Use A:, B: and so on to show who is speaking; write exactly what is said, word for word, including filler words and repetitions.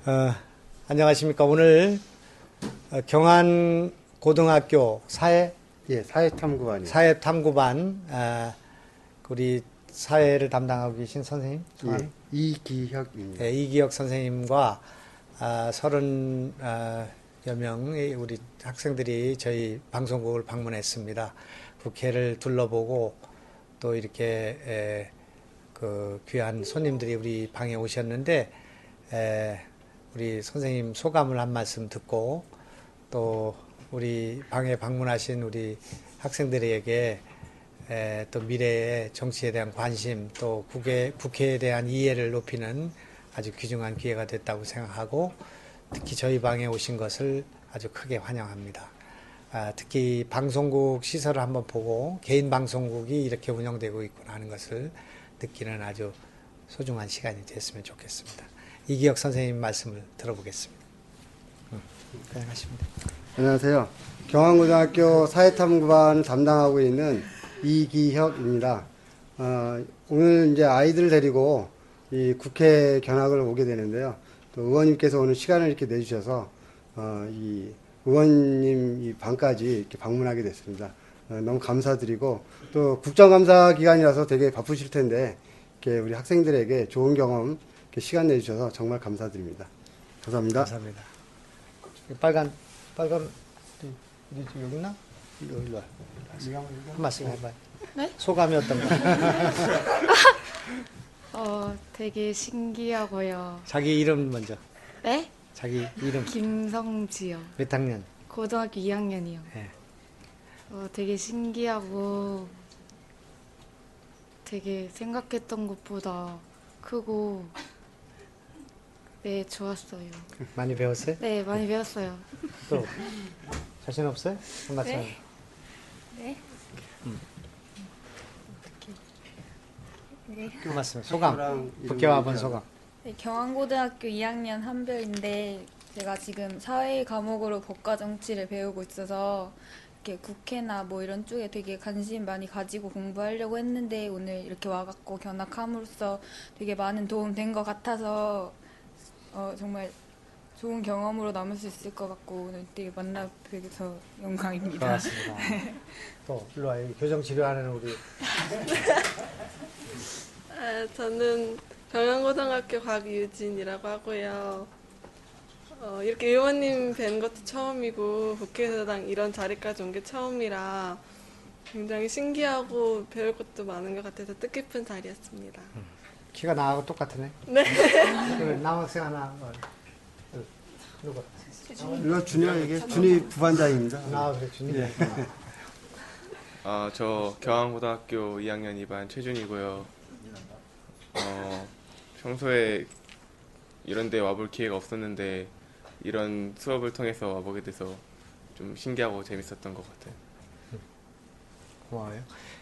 A: 어, 안녕하십니까. 오늘 어, 경안고등학교 사회
B: 예, 사회탐구반이요.
A: 사회탐구반 아, 우리 사회를 담당하고 계신 선생님
B: 예, 이기혁입니다.
A: 네, 이기혁 선생님과 아, 서른 아, 여 명의 우리 학생들이 저희 방송국을 방문했습니다. 국회를 둘러보고 또 이렇게 에, 그 귀한 손님들이 우리 방에 오셨는데 에, 우리 선생님 소감을 한 말씀 듣고 또 우리 방에 방문하신 우리 학생들에게 에, 또 미래의 정치에 대한 관심 또 국회, 국회에 대한 이해를 높이는 아주 귀중한 기회가 됐다고 생각하고 특히 저희 방에 오신 것을 아주 크게 환영합니다. 아, 특히 방송국 시설을 한번 보고 개인 방송국이 이렇게 운영되고 있구나 하는 것을 느끼는 아주 소중한 시간이 됐으면 좋겠습니다. 이기혁 선생님 말씀을 들어보겠습니다. 응, 고생하십니다.
B: 안녕하세요. 경안고등학교 사회탐구반을 담당하고 있는 이기혁입니다. 어, 오늘 이제 아이들을 데리고 이 국회 견학을 오게 되는데요. 또 의원님께서 오늘 시간을 이렇게 내주셔서 어, 이 의원님 이 방까지 이렇게 방문하게 됐습니다. 어, 너무 감사드리고 또 국정감사 기간이라서 되게 바쁘실 텐데 이렇게 우리 학생들에게 좋은 경험 이렇게 시간 내주셔서 정말 감사드립니다. 감사합니다.
A: 감사합니다. 빨간 빨간 어디 여기 있나? 일로 일로 와. 한 말씀 해봐요.
C: 네?
A: 소감이 어떤가?
C: 어, 되게 신기하고요.
A: 자기 이름 먼저.
C: 네?
A: 자기 이름.
C: 김성지요.
A: 몇 학년?
C: 고등학교 이 학년이요.
A: 네.
C: 어, 되게 신기하고 되게 생각했던 것보다 크고 네, 좋았어요.
A: 많이 배웠어요?
C: 네, 많이 배웠어요.
A: 또 자신 없어요? 한 말씀.
C: 네? 네?
A: 음.
C: 네.
A: 한 말씀. 소감. 국회와 본 소감.
D: 네, 경안고등학교 이 학년 한별인데 제가 지금 사회 과목으로 법과 정치를 배우고 있어서 이렇게 국회나 뭐 이런 쪽에 되게 관심 많이 가지고 공부하려고 했는데 오늘 이렇게 와갖고 견학함으로써 되게 많은 도움 된 것 같아서 어, 정말 좋은 경험으로 남을 수 있을 것 같고 오늘 되게 만나 뵈서 영광입니다.
A: 고맙습니다. 또 일로 와. 여기 교정 치료하는 우리.
E: 아, 저는 경안고등학교 곽유진이라고 하고요. 어, 이렇게 의원님 뵌 것도 처음이고 국회의사당 이런 자리까지 온 게 처음이라 굉장히 신기하고 배울 것도 많은 것 같아서 뜻깊은 자리였습니다.
A: 음. 키가 나하고 똑같으네.
E: 네.
A: 남학생 하나. 어, 누구?
B: 이거 준이에게 준이 부반장입니다.
A: 나 그래 준이.
B: 예.
F: 아, 저 경안고등학교 이 학년 이 반 최준이고요. 어, 평소에 이런 데 와볼 기회가 없었는데 이런 수업을 통해서 와보게 돼서 좀 신기하고 재밌었던 것 같아요.
A: 고마워요.